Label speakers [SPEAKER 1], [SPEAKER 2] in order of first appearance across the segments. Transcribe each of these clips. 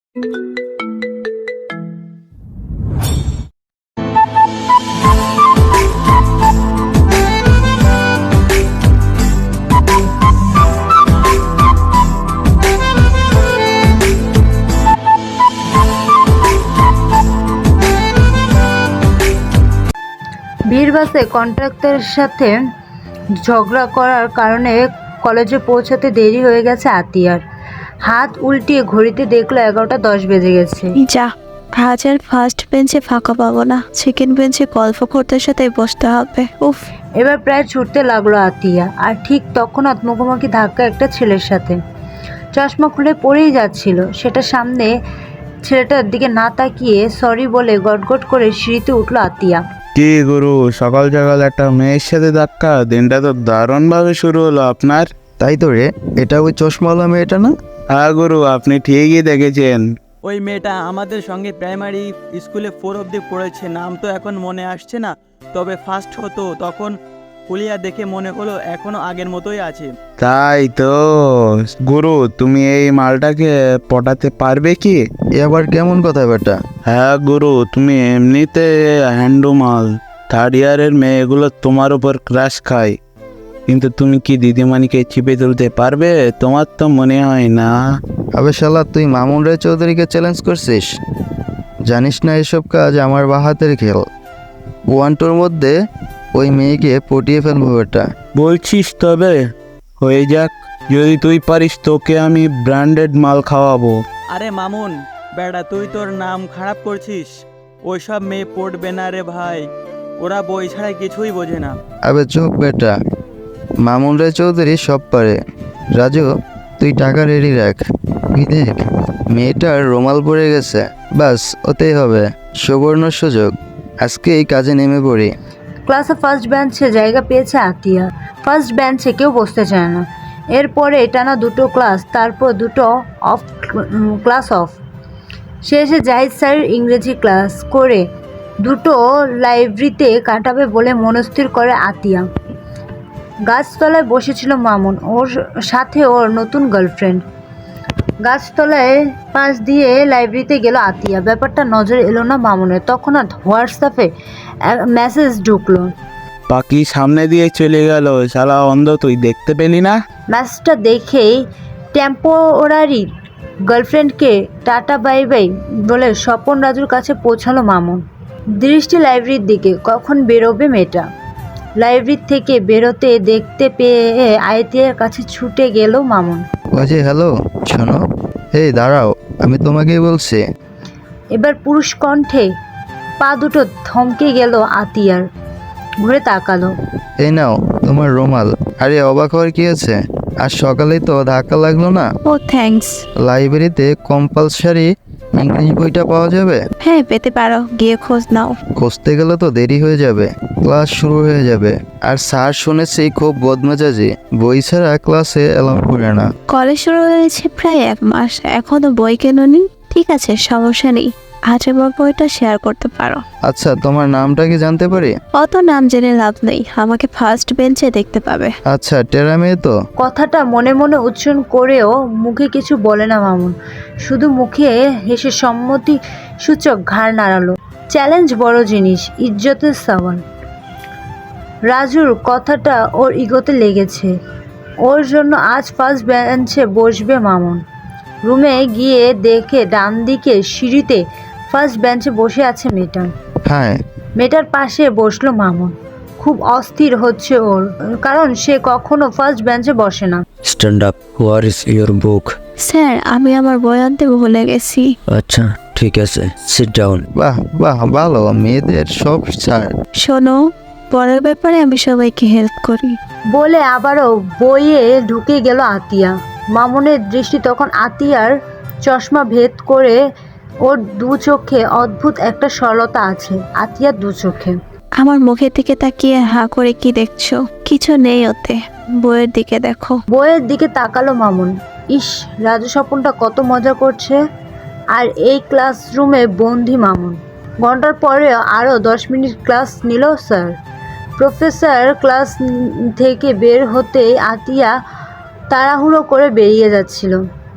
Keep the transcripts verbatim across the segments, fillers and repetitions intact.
[SPEAKER 1] ভিড় বাসে কন্ট্রাক্টরের সাথে ঝগড়া করার কারণে কলেজে পৌঁছাতে দেরি হয়ে গেছে আতিয়ার। হাত উল্টিয়ে ঘড়িতে দেখলো এগারোটা দশ বেজে গেছে।
[SPEAKER 2] যা, আজ আর ফার্স্ট বেঞ্চে ফাঁকা পাবো না, সেকেন্ড বেঞ্চে গল্প করতে সাথে বসতে হবে। উফ।
[SPEAKER 1] এবার প্রায় ছুটতে লাগলো আতিয়া, আর ঠিক তখনই মুখোমুখি ধাক্কা একটা ছেলের সাথে। চশমা খুলে পড়েই যাচ্ছিল, সেটা সামনে ছেলেটার দিকে না তাকিয়ে সরি বলে গটগট করে সিঁড়িতে উঠলো আতিয়া।
[SPEAKER 3] কি গুরু, সকাল সকাল একটা মেয়ের সাথে ধাক্কা? দিনটা তো দারুণ ভাবে শুরু হলো আপনার।
[SPEAKER 4] তাই তো রে, এটা ওই চশমাওয়ালা মেয়েটা না?
[SPEAKER 3] হ্যাঁ গুরু, আপনি ঠিকই দেখেছেন।
[SPEAKER 5] ওই মেয়েটা আমাদের সঙ্গে প্রাইমারি স্কুলে ফোর অবধি পড়েছে, নাম তো এখন মনে আসছে না, তবে ফার্স্ট হতো তখন হুলিয়া দেখে মনে হলো এখনো আগের মতোই আছে।
[SPEAKER 3] তাই তো গুরু, তুমি এই মালটাকে পটাতে পারবে কি?
[SPEAKER 4] এ আবার কেমন কথা বেটা?
[SPEAKER 3] হ্যাঁ গুরু, তুমি এমনিতে হ্যান্ডু মাল, থার্ড ইয়ারের মেয়েগুলো তোমার উপর ক্রাশ খায়, কিন্তু তুমি কি দিদিমানিকে চিপে তুলতে পারবে? তোমার তো মনে হয় না।
[SPEAKER 4] আবে শালা, তুই মামুন রায় চৌধুরীকে চ্যালেঞ্জ করছিস? জানিস না এসব কাজ আমার বাহাতের খেল। ওয়ান টুর মধ্যে ওই মেয়েকে পটিয়ে ফেলবো বেটা।
[SPEAKER 3] বলছিস? তবে হয়ে যাক, যদি তুই পারিস তোকে আমি ব্র্যান্ডেড মাল খাওয়াবো।
[SPEAKER 5] আরে মামুন বেটা, তুই তোর নাম খারাপ করছিস। ওইসব মেয়ে পড়বে না রে ভাই, ওরা বই ছাড়া কিছুই বোঝে না।
[SPEAKER 4] আবে চুপ বেটা, মামুন রায় চৌধুরী সব পারে। রাজু, তুই টাকা রেডি রাখ। তুই দেখ, মেয়েটার রুমাল পড়ে গেছে, বাস ওতেই হবে। সুবর্ণ সুযোগ, আজকে এই কাজে নেমে পড়ি।
[SPEAKER 1] ক্লাসে ফার্স্ট বেঞ্চে জায়গা পেয়েছে আতিয়া। ফার্স্ট বেঞ্চে কেউ বসতে চায় না। এরপরে টানা দুটো ক্লাস, তারপর দুটো অফ ক্লাস অফ। শেষে জাহিদ স্যারের ইংরেজি ক্লাস করে দুটো লাইব্রেরিতে কাটাবে বলে মনস্থির করে আতিয়া। গাছতলায় বসেছিল মামুন, ওর সাথে ওর নতুন গার্লফ্রেন্ড। গাছতলায় পাশ দিয়ে লাইব্রেরিতে গেল আতিয়া। ব্যাপারটা নজরে এলো না মামুনের, তখন আর হোয়াটসঅ্যাপে মেসেজ ঢুকলো।
[SPEAKER 3] পাখি সামনে দিয়ে চলে গেল, শালা অন্ধ, তুই দেখতে পেলি না?
[SPEAKER 1] মেসেজটা দেখেই টেম্পোরারি গার্লফ্রেন্ডকে টাটা বাই বাই বলে স্বপন রাজুর কাছে পৌঁছালো মামুন। দৃষ্টি লাইব্রেরির দিকে, কখন বেরোবে মেয়েটা। লাইব্রেরি থেকে বেরোতে দেখতে পেয়ে আয়তিয়ার কাছে ছুটে গেল মামুন।
[SPEAKER 4] বাজে হ্যালো, শোনো, এই দাঁড়াও, আমি তোমাকেই বলছি।
[SPEAKER 1] এবার পুরুষ কণ্ঠে পা দুটো থমকে গেল আতিয়ার। ঘুরে তাকালো।
[SPEAKER 4] এই নাও তোমার রুমাল। আরে অবাক হওয়ার কি আছে? আজ সকালেই তো ধাক্কা লাগলো না?
[SPEAKER 2] ও থ্যাঙ্কস।
[SPEAKER 4] লাইব্রেরিতে কম্পালসারি ইংলিশ বইটা পাওয়া যাবে?
[SPEAKER 2] হ্যাঁ পেতে পারো, গিয়ে খোঁজ নাও।
[SPEAKER 4] খুঁজতে গেলে তো দেরি হয়ে যাবে, ক্লাস শুরু হয়ে যাবে। আর স্যার শুনেছি খুব বদমেজাজি, বই ছাড়া ক্লাসে এলাও করে না।
[SPEAKER 2] কলেজ শুরু হয়েছে প্রায় এক মাস, এখনো বই কেননি? ঠিক আছে, সমস্যা নেই, আজ আমার বইটা শেয়ার করতে পারো।
[SPEAKER 4] আচ্ছা, তোমার নামটা কি জানতে পারি?
[SPEAKER 2] অত নাম জেনে লাভ নেই, আমাকে ফার্স্ট বেঞ্চে দেখতে পাবে।
[SPEAKER 4] আচ্ছা, টেরা মেয়ে তো?
[SPEAKER 1] কথাটা মনে মনে উচ্চারণ করেও মুখে কিছু বলে না মামুন, শুধু মুখে হেসে সম্মতি সূচক ঘাড় নাড়ালো। চ্যালেঞ্জ বড় জিনিস, ইজ্জতের সওয়াল। রাজুর কথাটা ওর ইগোতে লেগেছে, ওর জন্য আজ ফার্স্ট বেঞ্চে বসবে মামুন। রুমে গিয়ে দেখে ডান দিকে সিঁড়িতে ফার্স্ট বেঞ্চে বসে আছে মেয়েটা।
[SPEAKER 4] হ্যাঁ।
[SPEAKER 1] মেয়েটার পাশে বসলো মামুন। খুব অস্থির হচ্ছে ওর, কারণ সে কখনো ফার্স্ট বেঞ্চে বসে না।
[SPEAKER 6] Stand up, where is your book?
[SPEAKER 2] Sir, আমি আমার বই আনতে ভুলে গেছি।
[SPEAKER 6] আচ্ছা ঠিক আছে, সিট ডাউন।
[SPEAKER 4] বাহ বাহ, ভালো, মেয়েদের সব ছাড়।
[SPEAKER 2] শোনো, পরের ব্যাপারে আমি সবাইকে হেল্প করি।
[SPEAKER 1] বলে আবারও বইয়ে ঢুকে গেল আতিয়া। মামুনের দৃষ্টি তখন আতিয়ার চশমা ভেদ করে। ওর দু চোখে অদ্ভুত একটা সরলতা আছে আতিয়ার দু চোখে।
[SPEAKER 2] আমার মুখের দিকে তাকিয়ে হাঁ করে কি দেখছো? কিছু নেই ওতে, বইয়ের দিকে দেখো।
[SPEAKER 1] বইয়ের দিকে তাকালো মামুন। ইস, রাজু স্বপনটা কত মজা করছে। আর এই ক্লাসরুমে বন্দি মামুন। ঘন্টার পরে আরও দশ মিনিট ক্লাস নিল স্যার। প্রফেসর ক্লাস থেকে বের হতেই আতিয়া তাড়াহুড়ো করে বেরিয়ে যাচ্ছিল।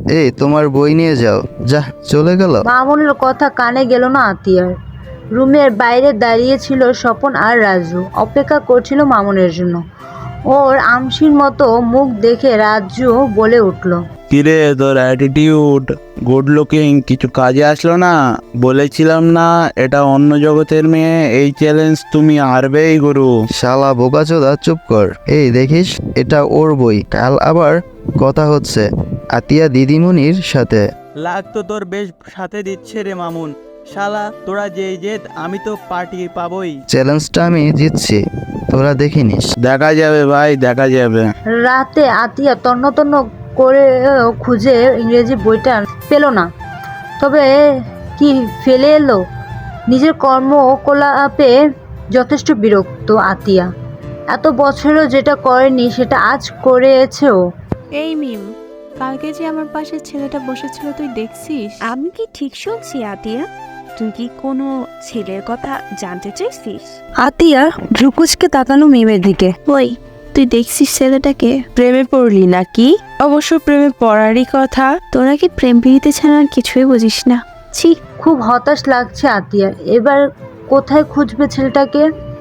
[SPEAKER 4] এই তোমার বই নিয়ে যাও। যা, চলে গেল।
[SPEAKER 1] মামুনের কথা কানে গেল না আতিয়ার। রুমের বাইরে দাঁড়িয়ে ছিল স্বপন আর রাজু, অপেক্ষা করছিল মামুনের জন্য। ওর আমসির মতো মুখ দেখে রাজু বলে উঠল,
[SPEAKER 3] কিরে তোর অ্যাটিটিউড গুড লুকিং কিছু কাজে আসলো না? বলেছিলাম না এটা অন্য জগতের মেয়ে, এই চ্যালেঞ্জ তুমি হারবেই গুরু।
[SPEAKER 4] শালা বোকাচোদা, চুপ কর। এই দেখিস, এটা ওর বই। কাল আবার কথা হচ্ছে আতিয়া দিদিমণির সাথে।
[SPEAKER 5] লাগ তো তোর বেশ সাথে দিচ্ছে রে মামুন। শালা তোরা যেই জেদ, আমি তো পার্টি পাবই।
[SPEAKER 4] চ্যালেঞ্জটা আমি জিতছি, তোরা দেখে নিস।
[SPEAKER 3] দেখা যাবে ভাই, দেখা যাবে।
[SPEAKER 1] রাতে আতিয়া তন্ন তন্ন করে খুঁজে ইংরেজি বইটা পেল না। তবে কি ফেলে এলো? নিজের কর্মকলাপে যথেষ্ট বিরক্ত আতিয়া। এত বছরও যেটা করেনি সেটা আজ করেছে ও।
[SPEAKER 7] এই মিম, কালকে যে আমার পাশে ছেলেটা বসেছিল তুই দেখছিস?
[SPEAKER 8] আমি কি ঠিক শুনছি আতিয়া? তুই কি কোনো ছেলের কথা জানতে চাইছিস?
[SPEAKER 9] আতিয়া ভ্রুকুচকে তাকালো মিমের দিকে।
[SPEAKER 2] ওই, তুই দেখছিস ছেলেটাকে?
[SPEAKER 9] প্রেমে পড়লি নাকি? অবশ্য প্রেমে পড়ারই কথা।
[SPEAKER 2] তোরা কি প্রেম প্রীতি ছাড়া আর কিছুই বুঝিস না। ছি,
[SPEAKER 1] খুব হতাশ লাগছে আতিয়ার। এবার কোথায় খুঁজবে ছেলেটাকে?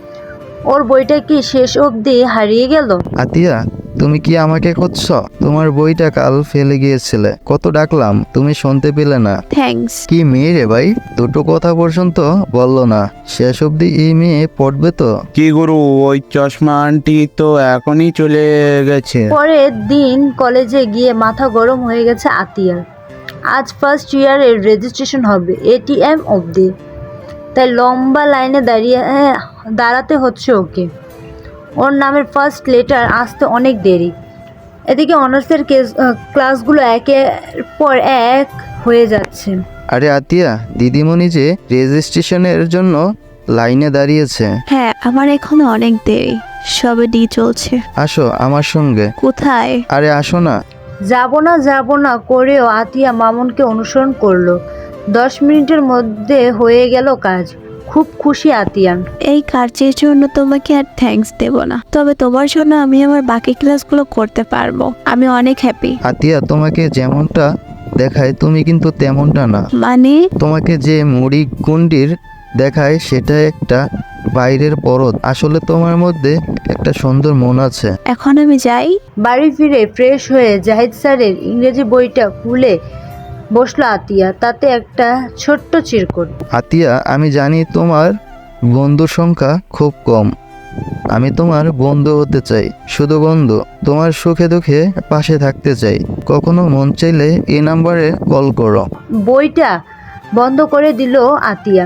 [SPEAKER 1] ওর বইটা কি শেষ অবধি হারিয়ে গেল?
[SPEAKER 4] আতিয়া, তুমি কি আমাকে খুঁজছ? তোমার বইটা কাল ফেলে গিয়েছিলে, কত ডাকলাম তুমি শুনতে পেলে না।
[SPEAKER 2] থ্যাঙ্কস।
[SPEAKER 4] কি মেয়ে রে ভাই, দুটো কথা পর্যন্ত বললো না। শেষ অবধি এই মেয়ে পড়বে তো?
[SPEAKER 3] কি গুরু, ওই চশমা আন্টি তো এখনই চলে গেছে।
[SPEAKER 1] পরের দিন কলেজে গিয়ে মাথা গরম হয়ে গেছে আতিয়ার। আজ ফার্স্ট ইয়ারের রেজিস্ট্রেশন হবে এটিএম অবধি, তাই লম্বা লাইনে দাঁড়িয়ে দাঁড়াতে হচ্ছে ওকে। ওর নামের ফার্স্ট লেটার আসতে অনেক দেরি। এদিকে অনার্সের ক্লাসগুলো একের পর এক হয়ে যাচ্ছে।
[SPEAKER 4] আরে আতিয়া, দিদিমণি যে রেজিস্ট্রেশনের জন্য লাইনে দাঁড়িয়েছে।
[SPEAKER 2] হ্যাঁ, আমার এখনো অনেক দেরি, সবে ডি চলছে।
[SPEAKER 4] আসো আমার সঙ্গে।
[SPEAKER 2] কোথায়?
[SPEAKER 4] আরে আসো না।
[SPEAKER 1] যাব না যাব না করেও আতিয়া মামুনকে অনুসরণ করলো। দশ মিনিটের মধ্যে হয়ে গেল কাজ। খুব খুশি আতিয়া।
[SPEAKER 2] এই কাজের জন্য তোমাকে আর থ্যাঙ্কস দেব না, তবে তোমার জন্য আমি আমার বাকি ক্লাসগুলো করতে পারবো। আমি অনেক হ্যাপি।
[SPEAKER 4] আতিয়া, তোমাকে যেমনটা দেখায় তুমি কিন্তু তেমনটা না।
[SPEAKER 2] মানে?
[SPEAKER 4] তোমাকে যে মুড়ি গুন্ডির দেখায় সেটা একটা বাইরের পরত। আসলে তোমার মধ্যে একটা সুন্দর মন আছে।
[SPEAKER 2] এখন আমি যাই।
[SPEAKER 1] বাড়ি ফিরে ফ্রেশ হয়ে জাহিদ স্যারের ইংরেজি বইটা খুলে বসলো আতিয়া। তাতে একটা ছোট্ট চিরকুট।
[SPEAKER 4] আতিয়া, আমি জানি তোমার বন্ধুর সংখ্যা খুব কম। আমি তোমার বন্ধু হতে চাই, শুধু বন্ধু। তোমার সুখে দুঃখে পাশে থাকতে চাই। কখনো মন চাইলে এই নাম্বারে কল করো।
[SPEAKER 1] বইটা বন্ধ করে দিল আতিয়া।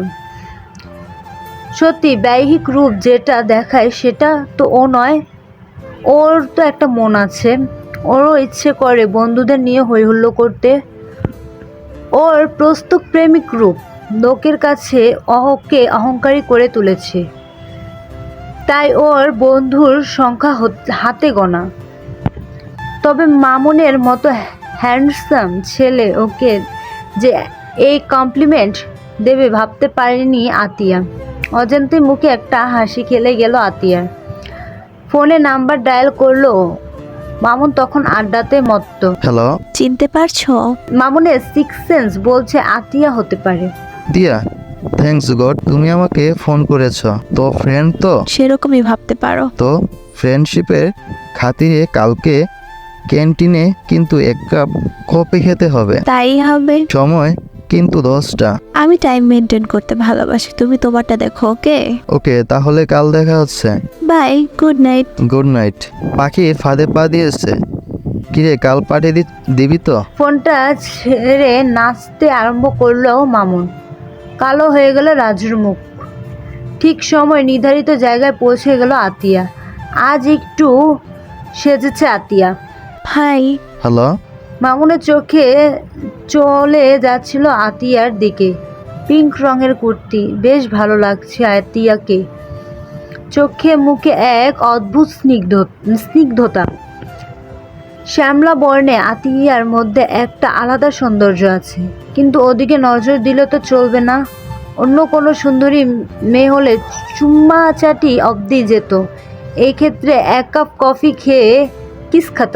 [SPEAKER 1] সত্যি ব্যয়িক রূপ যেটা দেখায় সেটা তো ও নয়। ওর তো একটা মন আছে। ওরও ইচ্ছে করে বন্ধুদের নিয়ে হই হুল্লো করতে। ওর প্রস্তুত প্রেমিক রূপ লোকের কাছে ওকে অহংকারী করে তুলেছে, তাই ওর বন্ধুর সংখ্যা হাতে গোনা। তবে মামুনের মতো হ্যান্ডসাম ছেলে ওকে যে এই কমপ্লিমেন্ট দেবে ভাবতে পারেনি আতিয়া। অজান্তে মুখে একটা হাসি খেলে গেল আতিয়ার। ফোনে নাম্বার ডায়াল করলো। মামুন তখন আড্ডাতে মত্ত।
[SPEAKER 4] হ্যালো।
[SPEAKER 2] চিনতে পারছো?
[SPEAKER 1] মামুনের সিক্স সেন্স বলছে আতিয়া হতে পারে।
[SPEAKER 4] দিয়া, থ্যাঙ্কস গড তুমি আমাকে ফোন করেছ। তো ফ্রেন্ড তো?
[SPEAKER 2] সেরকমই ভাবতে পারো।
[SPEAKER 4] তো ফ্রেন্ডশিপের খাতিরে কালকে ক্যান্টিনে কিন্তু এক কাপ কফি খেতে হবে।
[SPEAKER 2] তাই হবে।
[SPEAKER 4] সময় কিন্তু দশটা।
[SPEAKER 2] আমি টাইম মেনটেন করতে ভালোবাসি, তুমি তোমারটা দেখো। ওকে
[SPEAKER 4] ওকে, তাহলে কাল দেখা হচ্ছে।
[SPEAKER 2] Bye, good night.
[SPEAKER 4] Good night. পাখি ফাঁদে পা দিয়েছে। কিরে, কাল পাঠিয়ে দি দিবি তো?
[SPEAKER 1] ফোনটা ছেড়ে নাচতে আরম্ভ করলো মামুন। কালো হয়ে গেল রাজুর মুখ। ঠিক সময় নির্ধারিত জায়গায় পৌঁছে গেল আতিয়া। আজ একটু সেজেছে আতিয়া।
[SPEAKER 2] হাই।
[SPEAKER 4] হ্যালো।
[SPEAKER 1] মামুনের চোখে চলে যাচ্ছিল আতিয়ার দিকে। পিঙ্ক রঙের কুর্তি, বেশ ভালো লাগছে আতিয়াকে। চোখে মুখে এক অদ্ভুত স্নিগ্ধ স্নিগ্ধতা। শ্যামলা বর্ণে আতিয়ার মধ্যে একটা আলাদা সৌন্দর্য আছে, কিন্তু ওদিকে নজর দিলে তো চলবে না। অন্য কোনো সুন্দরী মেয়ে হলে চুম্মা চাটি অবধি যেত। এই ক্ষেত্রে এক কাপ কফি খেয়ে কিস খতম।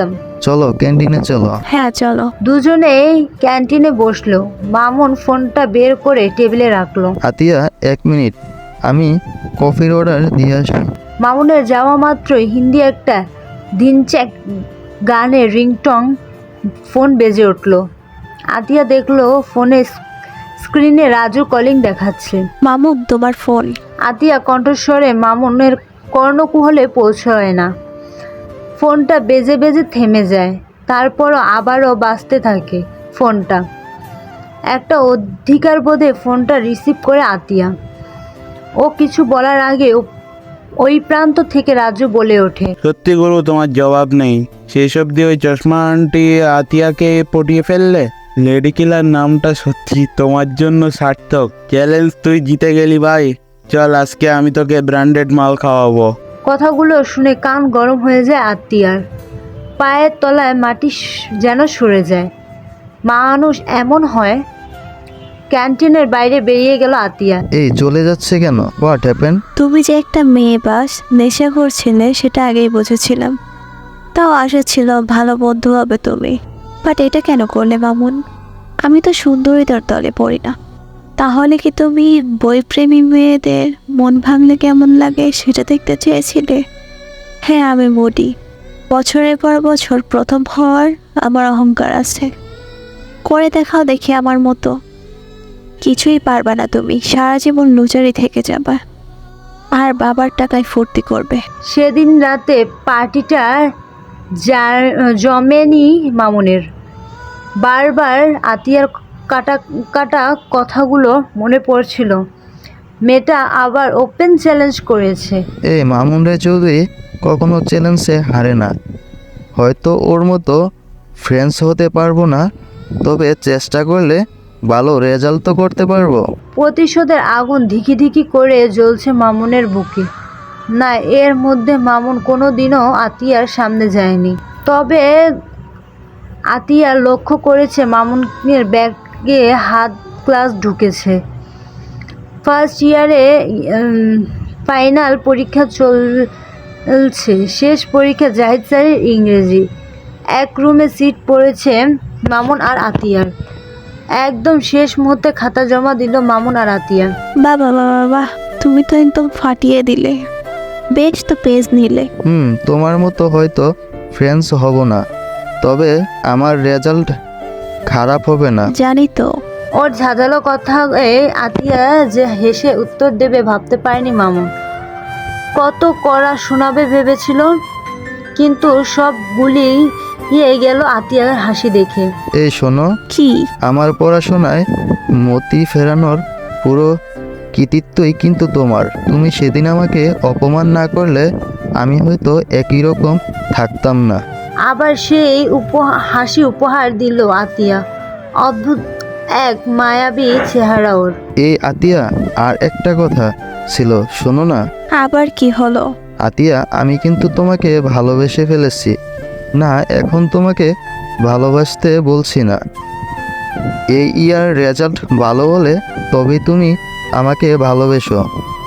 [SPEAKER 4] চলো ক্যান্টিনে চলো।
[SPEAKER 2] হ্যাঁ চলো।
[SPEAKER 1] দুজনেই ক্যান্টিনে বসলো। মামুন ফোনটা বের করে টেবিলে রাখলো।
[SPEAKER 4] আতিয়া এক মিনিট, আমি কফির অর্ডার দিয়ে আসি।
[SPEAKER 1] মামুনের যাওয়া মাত্রই হিন্দি একটা দিনচ্যাক গানের রিংটং ফোন বেজে উঠলো। আতিয়া দেখলো ফোনে স্ক্রিনে রাজু কলিং দেখাচ্ছে।
[SPEAKER 2] মামুক তোমার ফোন।
[SPEAKER 1] আতিয়া কণ্ঠস্বরে মামুনের কর্ণকুহলে পৌঁছয় না। ফোনটা বেজে বেজে থেমে যায়, তারপরও আবারও বাজতে থাকে ফোনটা। একটা অধিকার বোধে ফোনটা রিসিভ করে আতিয়া। ও কিছু বলার আগে ওই প্রান্ত থেকে রাজু বলে ওঠে,
[SPEAKER 3] সত্যি গুরু, তোমার জবাব নেই। সেই সব দিয়ে ওই চশমা আন্টি আতিয়াকে পটিয়ে ফেললে। লেডি কিলার নামটা সত্যি তোমার জন্য সার্থক। চ্যালেঞ্জ তুই জিতে গেলি ভাই। চল আজকে আমি তোকে ব্র্যান্ডেড মাল খাওয়াবো।
[SPEAKER 1] কথাগুলো শুনে কান গরম হয়ে যায় আতিয়ার। পায়ের তলায় মাটি যেন সরে যায়। মানুষ এমন হয়। ক্যান্টিনের বাইরে বেরিয়ে গেল আতিয়া।
[SPEAKER 4] এই চলে যাচ্ছে কেন? What happen?
[SPEAKER 2] তুমি যে একটা মেয়ে বাস নেশা করছিলে সেটা আগেই বুঝেছিলাম। তাও আশা ছিল ভালো বন্ধু হবে তুমি। বাট এটা কেন করলে মামুন? আমি তো সুন্দরীদের দলে পড়ি না। তাহলে কি তুমি বইপ্রেমী মেয়েদের মন ভাঙলে কেমন লাগে সেটা দেখতে চেয়েছিলে? হ্যাঁ আমি মোডি। বছরের পর বছর প্রথম হওয়ার আমার অহংকার আছে। করে দেখাও দেখি আমার মতো। কিছুই পারবে না তুমি, সারা জীবন লুচারি থেকে যাবা আর বাবার টাকায় ফুর্তি করবে।
[SPEAKER 1] সেদিন রাতে পার্টিটা যার জমেনি মামুনের। বারবার আতিয়ার কাটা কাটা কথাগুলো মনে পড়ছিল। মেয়েটা আবার ওপেন চ্যালেঞ্জ করেছে।
[SPEAKER 4] এই মামুন রায় চৌধুরী কখনো চ্যালেঞ্জে হারে না। হয়তো ওর মতো ফ্রেন্ডস হতে পারবো না, তবে চেষ্টা করলে ভালো রেজাল্ট তো করতে পারবো।
[SPEAKER 1] প্রতিশোধের আগুন ধিকি ধিকি করে জ্বলছে মামুনের বুকে। না, এর মধ্যে মামুন কোনো দিনও আতিয়ার সামনে যায়নি। তবে আতিয়া লক্ষ্য করেছে মামুনের ব্যাগে হাত গ্লাস ঢুকেছে। ফার্স্ট ইয়ারে ফাইনাল পরীক্ষা চলছে, শেষ পরীক্ষা জাহিদ স্যারের ইংরেজি। এক রুমে সিট পড়েছে মামুন আর আতিয়ার। একদম শেষ মুহূর্তে খাতা জমা দিল মামুন আর আতিয়া।
[SPEAKER 2] বাবা বাবা বাহ, তুমি তো একদম ফাটিয়ে দিলে। বেশ তো পেজ নিলে।
[SPEAKER 4] হুম তোমার মতো হয়তো ফ্রেন্ডস হব না, তবে আমার রেজাল্ট খারাপ হবে না।
[SPEAKER 2] জানি তো।
[SPEAKER 1] ওর ঝাঁঝালো কথা আতিয়া যে হেসে উত্তর দেবে ভাবতে পারেনি মামুন। কত কড়া শোনাবে ভেবেছিল, কিন্তু সব গুলিয়ে গেল আতিয়ার হাসি দেখে।
[SPEAKER 4] এই শোনো,
[SPEAKER 2] কি?
[SPEAKER 4] আমার পড়াশোনায় মতি ফেরানোর পুরো কৃতিত্বই কিন্তু তোমার। তুমি সেদিন আমাকে অপমান না করলে আমি হয়তো একই রকম থাকতাম না।
[SPEAKER 1] আবার সেই উপহার হাসি উপহার দিল আতিয়া। অদ্ভুত এক মায়াবী চেহারা ওর।
[SPEAKER 4] এই আতিয়া, আর একটা কথা ছিল, শোনো না।
[SPEAKER 2] আবার কি হলো?
[SPEAKER 4] আতিয়া, আমি কিন্তু তোমাকে ভালোবেসে ফেলেছি। না, এখন তোমাকে ভালোবাসতে বলছি না। এই ইয়ার রেজাল্ট ভালো হলে তবে তুমি আমাকে ভালোবেসো।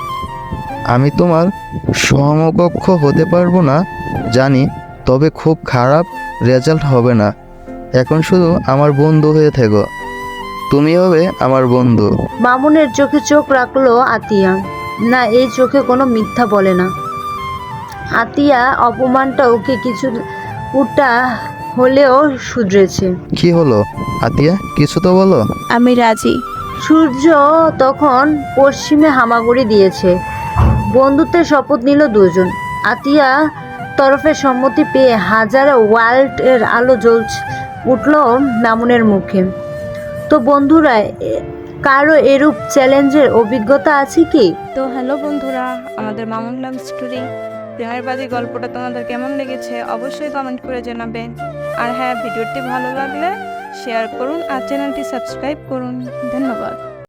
[SPEAKER 4] আমি তোমার সমকক্ষ হতে পারবো না জানি, তবে খুব খারাপ রেজাল্ট হবে না। এখন শুধু আমার বন্ধু হয়ে থেকো। তুমি হবে আমার বন্ধু।
[SPEAKER 1] মামুনের চোখে চোখ রাখলো আতিয়া। না, এই চোখে কোনো মিথ্যা বলে না। আতিয়া অপমানটা ওকে কিছু উটা হলেও শুধরেছে।
[SPEAKER 4] কি হলো আতিয়া, কিছু তো বলো।
[SPEAKER 2] আমি রাজি।
[SPEAKER 1] সূর্য তখন পশ্চিমে হামাগুড়ি দিয়েছে। বন্ধুত্বের শপথ নিল দুজন। আতিয়া তরফে সম্মতি পেয়ে হাজারো ওয়ার্ল্ডের আলো জ্বলছে উঠল মামুনের মুখে। তো বন্ধুরা, কারো এরূপ চ্যালেঞ্জের অভিজ্ঞতা আছে কি?
[SPEAKER 7] তো হ্যালো বন্ধুরা, আমাদের মামুন লাভ স্টোরি প্রেমের বাদী গল্পটা তোমাদের কেমন লেগেছে অবশ্যই কমেন্ট করে জানাবেন। আর হ্যাঁ, ভিডিওটি ভালো লাগলে শেয়ার করুন আর চ্যানেলটি সাবস্ক্রাইব করুন। ধন্যবাদ।